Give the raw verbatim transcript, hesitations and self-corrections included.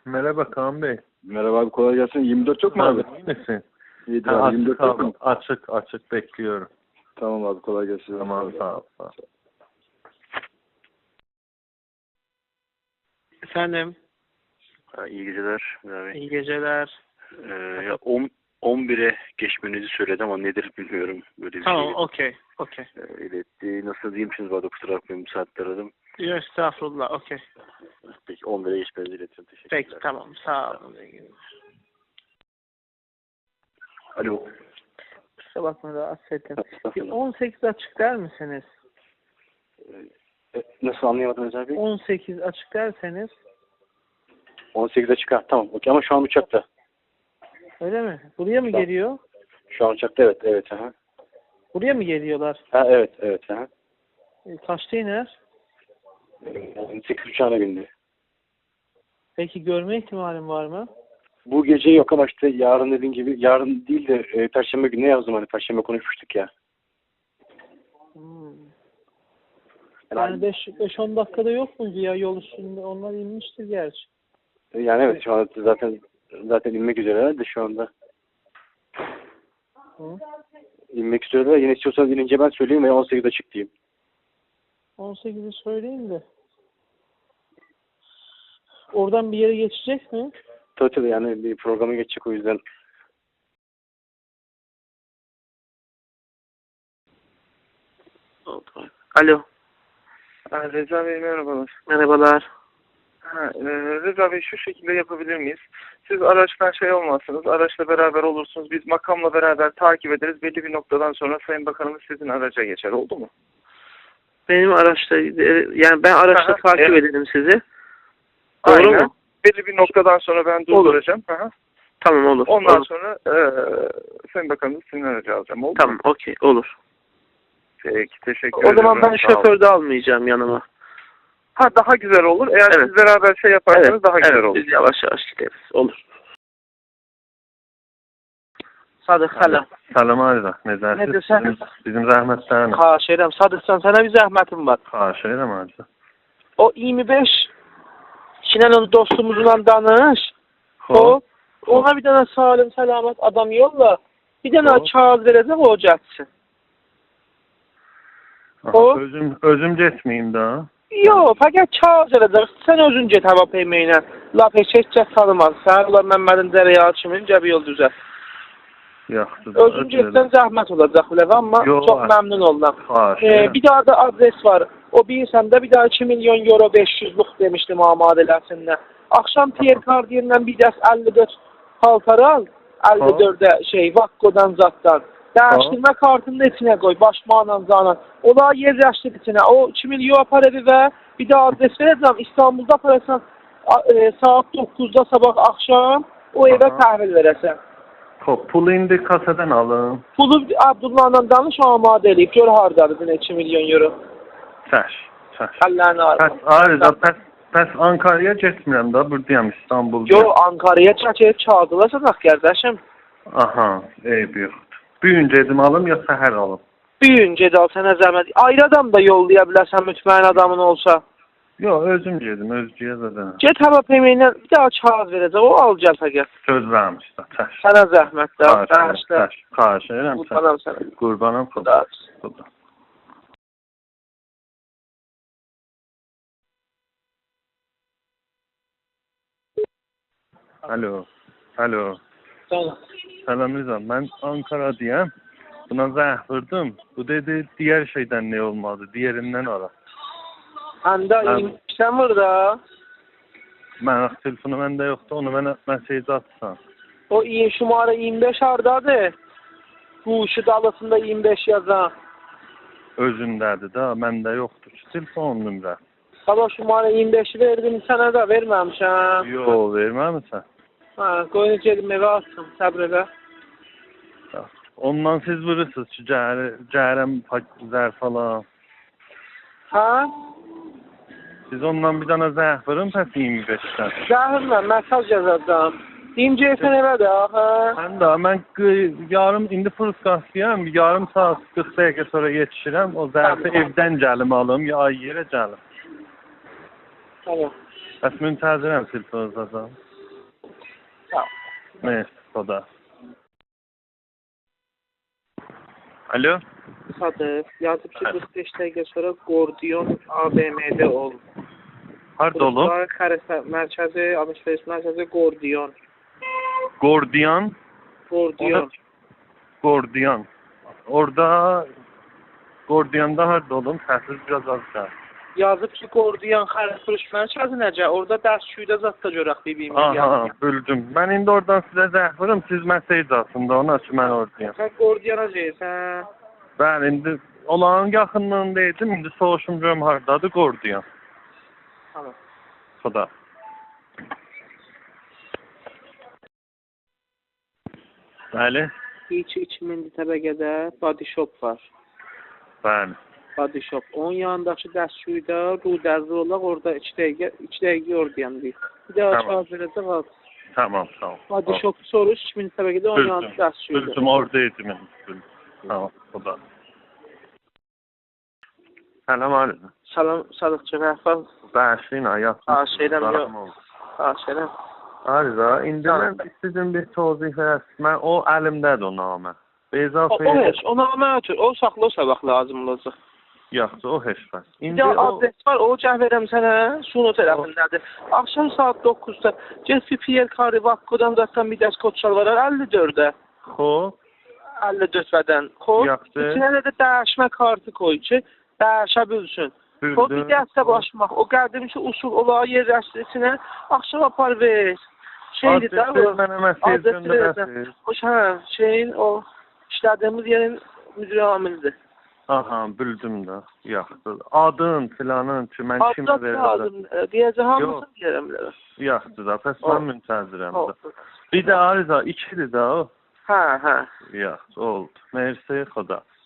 Merhaba Kaan Bey. Merhaba abi, kolay gelsin. yirmi dört yok mu abi? İyi misin? İyidir Ha, abi. açık, yirmi dört yok abi, mu? açık açık bekliyorum. Tamam abi, kolay gelsin. Tamam, sağ ol. Sağ ol. Efendim, Ha, İyi geceler. Abi. iyi geceler. Ee, ya on, on bire geçmenizi söyledi ama nedir bilmiyorum. Böyle bir Tamam, şey okey, okey. e, iletti. Nasıl diyeyim şimdi, bana kusura bakmayın, bu saatte aradım. Yok, estağfurullah, okey. Peki on bire geçmenizi iletiyorum. Teşekkürler. Peki, tamam, sağ olun. Alo. Kusura bakma, rahatsız ettim. Bir on sekiz açık der misiniz? E, nasıl anlayamadınız abi? on sekiz açık derseniz. on sekize çıkar. Tamam. Okey, ama şu an uçakta. Öyle mi? Buraya mı Tamam. geliyor? Şu an uçakta, evet. Evet. Aha. Buraya mı geliyorlar? Ha, evet. Evet. Aha. E, kaçta iner? on sekiz uçağına bindi. Peki görme ihtimalim var mı? Bu gece yok ama işte yarın dediğin gibi, yarın değil de e, Perşembe gününe yazdım, hani Perşembe konuşmuştuk ya. Hmm. Yani, Yani beş on dakikada yok muydu ya yol üstünde? Onlar inmiştir gerçi. yani evet, şu anda zaten zaten inmek üzereler de şu anda. Hı? İnmek üzereler. Yine istiyorsanız inince ben söyleyeyim ve on sekizde çık diyeyim. on sekizi söyleyeyim de. Oradan bir yere geçecek mi? Tabii tabii, yani bir programa geçecek, o yüzden. Alo. Ha, Reza Bey merhabalar. Merhabalar. Ha, e, Reza Bey şu şekilde yapabilir miyiz? Siz araçtan şey olmazsınız, araçla beraber olursunuz. Biz makamla beraber takip ederiz. Belli bir noktadan sonra Sayın Bakanımız sizin araca geçer. Oldu mu? Benim araçta, yani ben araçta Aha, takip evet. ederim sizi. Doğru Aynen. mu? Belli bir noktadan sonra ben durduracağım. Aha. Tamam, olur. Ondan olur. sonra e, Sayın Bakanımız sizin aracı alacağım. Oldu Tamam, mu? okey, olur. Peki, teşekkür O ederim. zaman ben Sağ olun. şoför de almayacağım yanıma. Ha, daha güzel olur. Eğer Evet. siz beraber şey yaparsanız Evet, daha güzel evet, olur. biz yavaş yavaş gideriz. Olur. Sadık, selam. Salam Arda. Necəsiz? Ne diyorsun? Bizim, bizim zəhmətlərini. Xahiş edirəm. Sadıqsan, sənə bir zəhmətim var. Xahiş edirəm Arda. O iyirmi beş Şinan'ın dostumuzla danış. O, Xoş. ona bir tane salim, selamet adam yolla. Bir tane Xoş. kağıt verəcək, o gəlsin. Aha, O- Özüm, özüm getməyim də. Yox, fəqət kağıt verəcək. Sən özün get hava peyməyinə. Laf heç kəs tanımaz. Sən ulan Məmmədin Dərəya kimin cəbi yol düzəlt. Yaxşı. Özün getsən zəhmət olacaq biləv, amma Yox, çox a- məmnun oldum. Xahiş Ee, edirəm. bir daha da adres var. O bilirsən də bir daha iki milyon euro beş yüzlük demişdim amadələsinə. Akşam Pierre Cardin'den bir dəst əlli dörd paltar al. əlli dördə şey Vakko'dan zatdan. Dəyişdirmə kartını da içinə qoy. Başmaqla zanan. Ola yerləşdir içinə. O iki milyon apar evi və bir daha adres verəcəm. İstanbulda aparırsan e, saat doqquzda sabah akşam o evə Aha. təhvil verəsən. Xoş, pulu indi kasadan alım. Pulu Abdullah'la danış amadə eləyib. Gör hardadır iki milyon euro. Çəş, çəş. Əllərini Pəs, arasın. Arda, pəs, pəs Ankara'ya getmirəm da, buradayam İstanbul'da. Yo, Ankara'ya çəkib kağıdıla sataq qardaşım. Aha, eyb yoxdur. Bugün gedim alım ya səhər alım? Büyün gedal sənə zəhmət. Ayrı adam da yollaya bilərsən mütməyin adamın olsa. Yox, özüm gedim, özgüyə zaten. Get hava peyməyinə bir daha kağıt verəcək. O al gəl fəqət. Söz vermiş də, çəş. Sənə zəhmət də. Xahiş edirəm, Bağışla. çəş. Xahiş edirəm, çəş. Qurbanam sənə. Qurbanım xuda. Xudahafiz. Xuda. Alo, alo. Tamam. Salam Rıza, mən Ankara'dayım. Buna zəh vurdum. Bu dedi, diğer şeydən ne olmadı, diğerindən ara. Həndə Mən- iymişsən burada. Mən telefonu məndə yoxdur, onu mənə mesaj atsan. O iyi şumara iyirmi beş hardadır. Bu işi dalısında iyirmi beş yazan. Özündədir də, məndə yoxdur ki, telefon nömrə. Sabah şumara iyirmi beşi verdim sənə də verməmişəm. Yox, verməmisən. Ha, qoyun gedim evə atsın, səbr elə. Ondan siz vurursunuz ki, cəhər, cəhərəm zər falan. Ha? Siz ondan bir dana zəh vurun, pəs iyirmi beşdən. Zəhirlə mesaj yazacağım. Deyim gelsin evə də, ha? Mən də, mən qı- yarım, indi Fırskasıyam, yarım saat qırx dəqiqə sonra yetişirəm. O zərfi Tamam. evdən gəlim alım, ya ay yerə gəlim. Tamam. Bəs müntəzirəm telefonunuza. Sağ ol. Neyse, Xoda. Alo? Sadıq, yazıb ki, qırx beş dəqiqə sonra Gordiyon A V M'də ol. Harda olub? Xərəsə mərkəzi, alışveriş mərkəzi Gordiyon. Gordiyan? Gordiyon. Gordiyan. Orada Gordiyanda harda olum? Səsiz biraz az gəl. Yazıb ki, Gordiyon xərəsfırış mərkəzi necə? Orada dərsçüydə zatda görək bibimiz. Aha, bildim. Mən indi oradan sizə zəh vurum, siz mesaj aslında ona ki, mən oradayım. Sən Gordiyona deyirsən. Ben indi olağan yaxınlığındaydım, indi soruşum görüm hardadır Gordiyan. Tamam. Xoda. Bəli, İki iki mindi təbəqədə body shop var. bəli. Body shop. Onun yanındakı dərsçüydə Rudəzli olaq, orada iki dəqiqə, iki dəqiqə oradayam deyir. Bir daha Tamam. cavab verəcək al. Tamam, tamam. Body shop soruş, iki mindi təbəqədə onun yanında Bildim, dərsçüydə. bildim, oradaydım indi. Bildim. Tamam, Xoda. Selam aleyküm. Salam, Sadıqçı, rəhbər. Bəşin, ayaq. Ha, şeydən yox. Ha, şeydən. Arıza, indi mən istədim bir tozih verəsin. Mən o əlimdədir o namə. O, Beyza o heç, ona məətür. O saxla o sabah lazım olacaq. Yaxşı, o heç bəs. Bir İndi də o... adres var, o cəh verəm sənə, Suno tərəfindədir. Axşam saat doqquzda get bir Pierre Carri Vakkodan zaten bir dəst kod çalvarar əlli dördə. Xo, əlli dörd vədən. Xoş. Yaxşı. İçinə də dəyişmə kartı koy ki, dəyişə bilsin. O bir bildim. dəstə başmaq, o qədim ki usul olağı yerləşdirsinə, axşam apar ver. Şeydir də Adresi o. mənə mesaj Adresi göndərəsiniz. verəcəm. Xoş, hə, şeyin o işlədiyimiz yerin müdür amilidir. Aha, bildim də. Yaxşı. Adın, filanın ki, mən kimə Adres verəcəm. lazım. Deyəcək hamısını Yox. deyərəm bilərəm. Yaxşı da, pəs O. mən müntəzirəm də. Olsun. Bir də Arıza, ikidir də o. Hə, hə. Yaxşı, oldu. Mersi, Xoda.